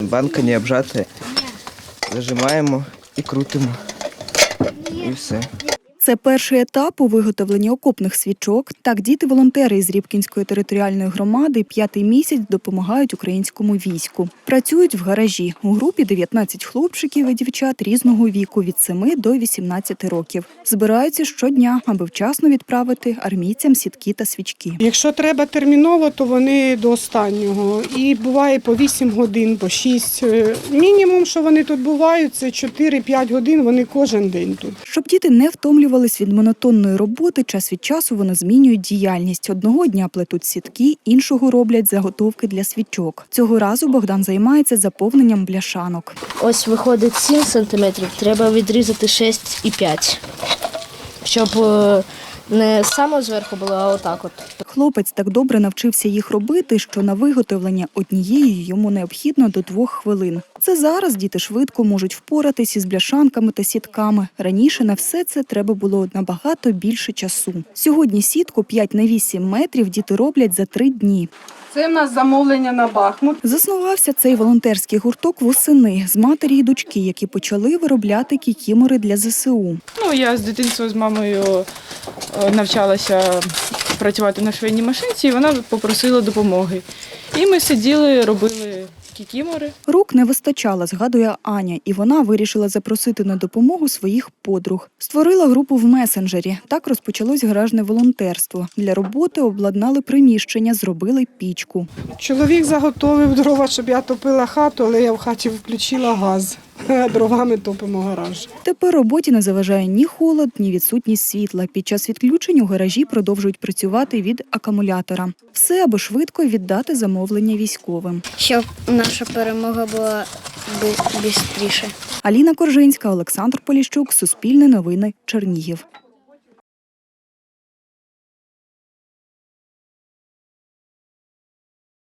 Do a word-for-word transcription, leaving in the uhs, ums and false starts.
банка не обжата. Зажимаємо і крутимо. І все. Це перший етап у виготовленні окопних свічок. Так, діти-волонтери із Рібкінської територіальної громади п'ятий місяць допомагають українському війську. Працюють в гаражі. У групі дев'ятнадцять хлопчиків і дівчат різного віку – від семи до вісімнадцяти років. Збираються щодня, аби вчасно відправити армійцям сітки та свічки. Якщо треба терміново, то вони до останнього. І буває по вісім годин, по шість. Мінімум, що вони тут бувають, це чотири-п'ять годин, вони кожен день тут. Щоб діти не втомлювалися від монотонної роботи, час від часу вони змінюють діяльність. Одного дня плетуть сітки, іншого роблять заготовки для свічок. Цього разу Богдан займається заповненням бляшанок. Ось виходить сім сантиметрів, треба відрізати шість і п'ять, щоб не саме зверху було, а отак от. Хлопець так добре навчився їх робити, що на виготовлення однієї йому необхідно до двох хвилин. Це зараз діти швидко можуть впоратись із бляшанками та сітками. Раніше на все це треба було набагато більше часу. Сьогодні сітку п'ять на вісім метрів діти роблять за три дні. Це в нас замовлення на Бахмут. Заснувався цей волонтерський гурток восени з матері і дочки, які почали виробляти кікімори для зе се у. Ну, я з дитинства з мамою навчалася працювати на швейній машинці, і вона попросила допомоги. І ми сиділи, робили кікімори. Рук не вистачало, згадує Аня, і вона вирішила запросити на допомогу своїх подруг. Створила групу в месенджері. Так розпочалось гаражне волонтерство. Для роботи обладнали приміщення, зробили пічку. Чоловік заготовив дрова, щоб я топила хату, але я в хаті включила газ. Дровами топимо гараж. Тепер роботі не заважає ні холод, ні відсутність світла. Під час відключень у гаражі продовжують працювати від акумулятора. Все, аби швидко віддати замовлення військовим. Щоб наша перемога була швидше. Аліна Коржинська, Олександр Поліщук, Суспільне новини, Чернігів.